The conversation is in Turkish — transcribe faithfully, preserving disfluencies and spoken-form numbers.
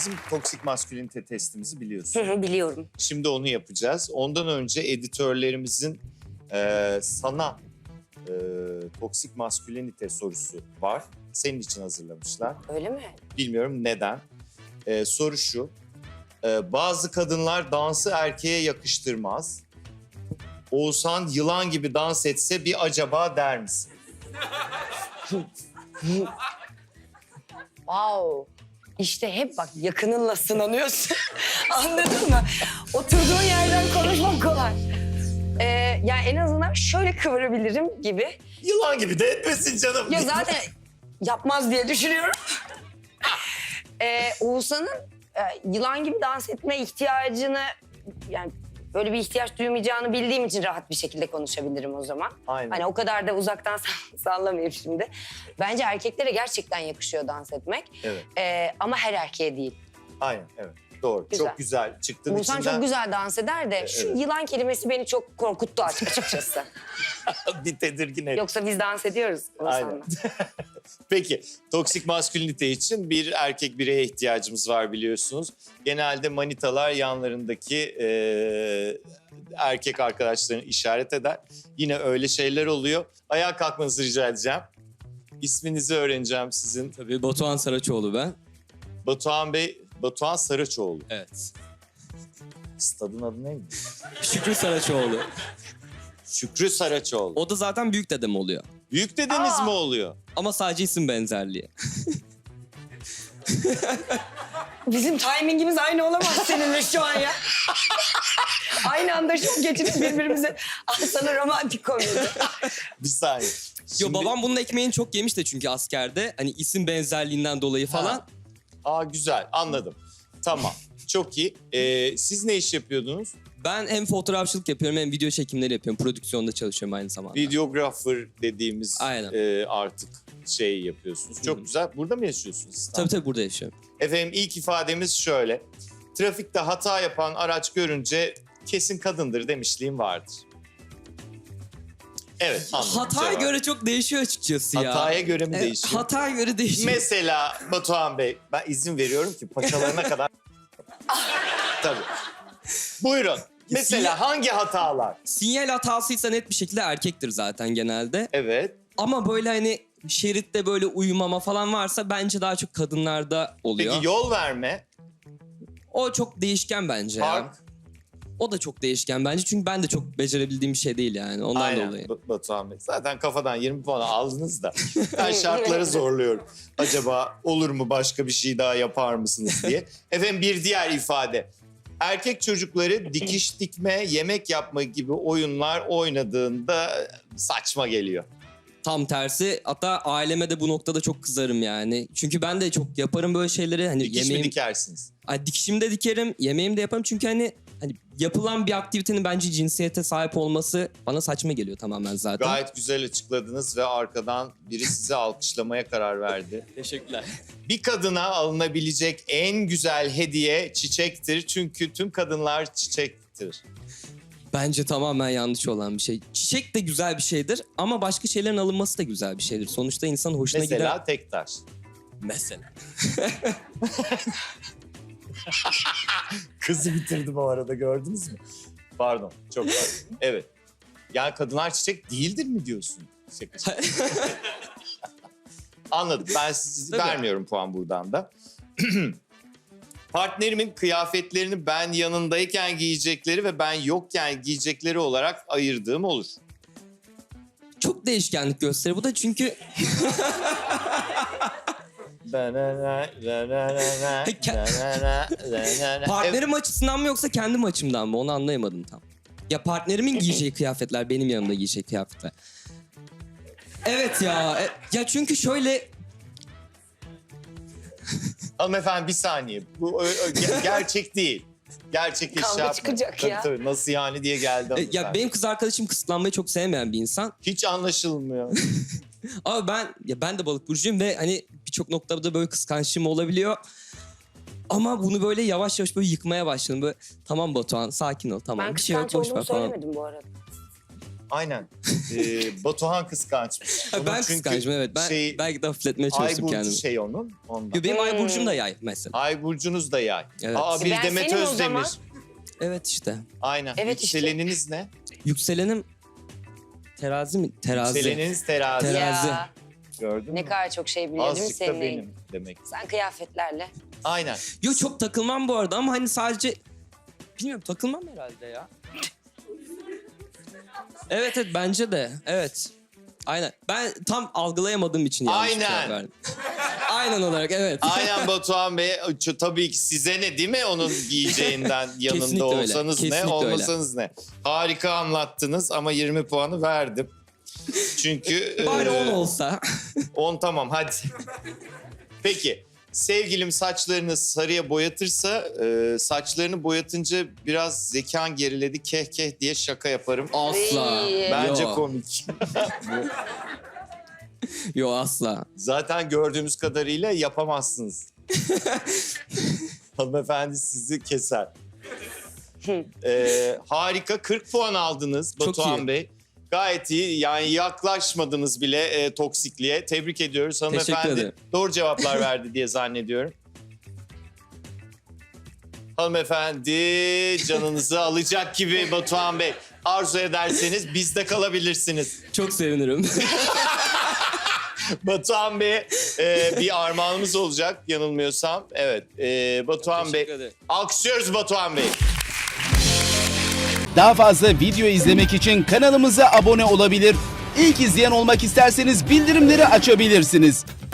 bizim toksik maskülinite testimizi biliyorsun. Hı hı, biliyorum. Şimdi onu yapacağız. Ondan önce editörlerimizin e, sana e, toksik maskülinite sorusu var. Senin için hazırlamışlar. Öyle mi? Bilmiyorum neden. E, soru şu. E, bazı kadınlar dansı erkeğe yakıştırmaz. Oğuzhan yılan gibi dans etse bir acaba der misin? Wow. İşte hep bak yakınınla sınanıyorsun. Anladın mı? Oturduğun yerden konuşmak kolay. Ee, yani en azından şöyle kıvırabilirim gibi. Yılan gibi de etmesin canım. Ya zaten yapmaz diye düşünüyorum. ee, Oğuzhan'ın e, yılan gibi dans etme ihtiyacını... yani böyle bir ihtiyaç duymayacağını bildiğim için rahat bir şekilde konuşabilirim o zaman. Aynen. Hani o kadar da uzaktan sallamayayım şimdi. Bence erkeklere gerçekten yakışıyor dans etmek. Evet. Ee, ama her erkeğe değil. Aynen, evet. Doğru. Güzel. Çok güzel. Çıktın Oğuzhan içinden. çok güzel dans eder de şu evet. yılan kelimesi beni çok korkuttu açıkçası. Bir tedirgin et. Yoksa biz dans ediyoruz Aynen. Oğuzhan'la. Peki, toksik maskülinite için bir erkek bireye ihtiyacımız var biliyorsunuz. Genelde manitalar yanlarındaki e, erkek arkadaşlarını işaret eder. Yine öyle şeyler oluyor. Ayağa kalkmanızı rica edeceğim. İsminizi öğreneceğim sizin. Tabii Batuhan Saraçoğlu ben. Batuhan Bey, Batuhan Saraçoğlu. Evet. Stadın adı neydi? Şükrü Saraçoğlu. Şükrü Saraçoğlu. O da zaten büyük dedem oluyor. Büyük dedeniz Aa! mi oluyor? Ama sadece isim benzerliği. Bizim timingimiz aynı olamaz seninle şu an ya. Aynı anda şok geçirip birbirimize al sana romantik komedi. Bir saniye. Yo Şimdi- babam bunun ekmeğini çok yemiş de çünkü askerde. Hani isim benzerliğinden dolayı falan. Ha. Aa güzel, anladım. Tamam, çok iyi. Ee, siz ne iş yapıyordunuz? Ben hem fotoğrafçılık yapıyorum hem video çekimleri yapıyorum. Prodüksiyonda çalışıyorum aynı zamanda. Videographer dediğimiz Aynen. e, artık şey yapıyorsunuz. Çok Hı hı. güzel. Burada mı yaşıyorsunuz İstanbul'da? Tabii tabii burada yaşıyorum. Efendim ilk ifademiz şöyle. Trafikte hata yapan araç görünce kesin kadındır demişliğim vardır. Evet, anladım. Hataya Cevap. göre çok değişiyor açıkçası ya. Hataya göre mi Evet, değişiyor? Hataya göre değişiyor. Mesela Batuhan Bey, ben izin veriyorum ki paçalarına kadar... Tabii. Buyurun. Mesela hangi hatalar? Sinyal hatasıysa net bir şekilde erkektir zaten genelde. Evet. Ama böyle hani şeritte böyle uyumama falan varsa bence daha çok kadınlarda oluyor. Peki yol verme, O çok değişken bence ya. park. O da çok değişken bence çünkü ben de çok becerebildiğim bir şey değil yani ondan Aynen dolayı. Ba- Batuhan Bey. Zaten kafadan yirmi puan aldınız da ben şartları zorluyorum. Acaba olur mu başka bir şey daha yapar mısınız diye. Efendim bir diğer ifade. Erkek çocukları dikiş dikme, yemek yapma gibi oyunlar oynadığında saçma geliyor. Tam tersi hatta aileme de bu noktada çok kızarım yani. Çünkü ben de çok yaparım böyle şeyleri. Hani Dikiş yemeğim, mi dikersiniz? Ay, dikişimi de dikerim, yemeğimi de yaparım. Çünkü hani hani yapılan bir aktivitenin bence cinsiyete sahip olması bana saçma geliyor tamamen zaten. Gayet güzel açıkladınız ve arkadan biri sizi alkışlamaya karar verdi. Teşekkürler. Bir kadına alınabilecek en güzel hediye çiçektir. Çünkü tüm kadınlar çiçektir. Bence tamamen yanlış olan bir şey. Çiçek de güzel bir şeydir ama başka şeylerin alınması da güzel bir şeydir. Sonuçta insanın hoşuna Mesela gider. tek taş. Mesela. Kızı bitirdi bu arada, gördünüz mü? Pardon, çok pardon. Evet. Yani kadınlar çiçek değildir mi diyorsun? Şaka. Anladım. Ben size Tabii. vermiyorum puan buradan da. Partnerimin kıyafetlerini ben yanındayken giyecekleri ve ben yokken giyecekleri olarak ayırdığım olur. Çok değişkenlik gösterir bu da çünkü partnerim açısından mı yoksa kendim açımdan mı onu anlayamadım tam. Ya partnerimin giyeceği kıyafetler benim yanımda giyeceği kıyafetler. Evet ya. e- Ya çünkü şöyle Hanımefendi bir saniye. Bu ö- ö- ge- gerçek değil. Gerçek iş Kavga yapma. çıkacak Tabii, ya. tabii. Nasıl yani diye geldi e, hanımefendi. ya benim kız arkadaşım kısıtlanmayı çok sevmeyen bir insan. Hiç anlaşılmıyor. Ama ben ya ben de balık burcuyum ve hani birçok noktada böyle kıskançlığım olabiliyor. Ama bunu böyle yavaş yavaş böyle yıkmaya başladım. Böyle tamam Batuhan sakin ol tamam Ben bir şey yok kıskanç boş ver olduğumu falan. söylemedim bu arada. Aynen. Ee, Batuhan kıskançmış. Onun Ben çünkü kıskançım evet. Ben şey- belki de hafifletmeye Ay çalıştım burcu kendimi. şey onun. Ondan. Yo, benim ay Hmm. burcum da yay mesela. Ay burcunuz da yay. Evet. Aa bir Ben Demet senim o Özdemir. zaman. Evet işte. Aynen. Evet işte. Yükseleniniz ne? Yükselenim terazi mi? Terazi. Yükseleniniz terazi. Terazi. Ya Gördün mü? ne kadar çok şey biliyor değil mi Azıcık da senin benim neyin? demek. Sen kıyafetlerle. Aynen. Yo çok takılmam bu arada ama hani sadece... Bilmiyorum takılmam herhalde ya. Evet evet bence de. Evet. Aynen. Ben tam algılayamadığım için yanlış Aynen. cevap verdim. Aynen olarak evet. Aynen Batuhan Bey. Ç- Tabii ki size ne değil mi onun giyeceğinden yanında Kesinlikle öyle, olsanız ne kesinlikle öyle. olmasanız ne. Harika anlattınız ama yirmi puanı verdim. Çünkü Bari e, on olsa. on tamam hadi. Peki sevgilim saçlarını sarıya boyatırsa e, saçlarını boyatınca biraz zekan geriledi keh keh diye şaka yaparım. Asla. Ay. Bence Yo. komik. Yo asla. Zaten gördüğümüz kadarıyla yapamazsınız. Hanımefendi sizi keser. Ee, harika kırk puan aldınız Çok Batuhan iyi. Bey. Gayet iyi yani yaklaşmadınız bile e, toksikliğe. Tebrik ediyoruz Teşekkür hanımefendi. ederim. Doğru cevaplar verdi diye zannediyorum. Hanımefendi canınızı alacak gibi Batuhan Bey. Arzu ederseniz bizde kalabilirsiniz. Çok sevinirim. Batuhan Bey e, bir armağanımız olacak yanılmıyorsam. Evet e, Batuhan Bey. Teşekkür ederim. Alkışlıyoruz Batuhan Bey. Daha fazla video izlemek için kanalımıza abone olabilir. İlk izleyen olmak isterseniz bildirimleri açabilirsiniz.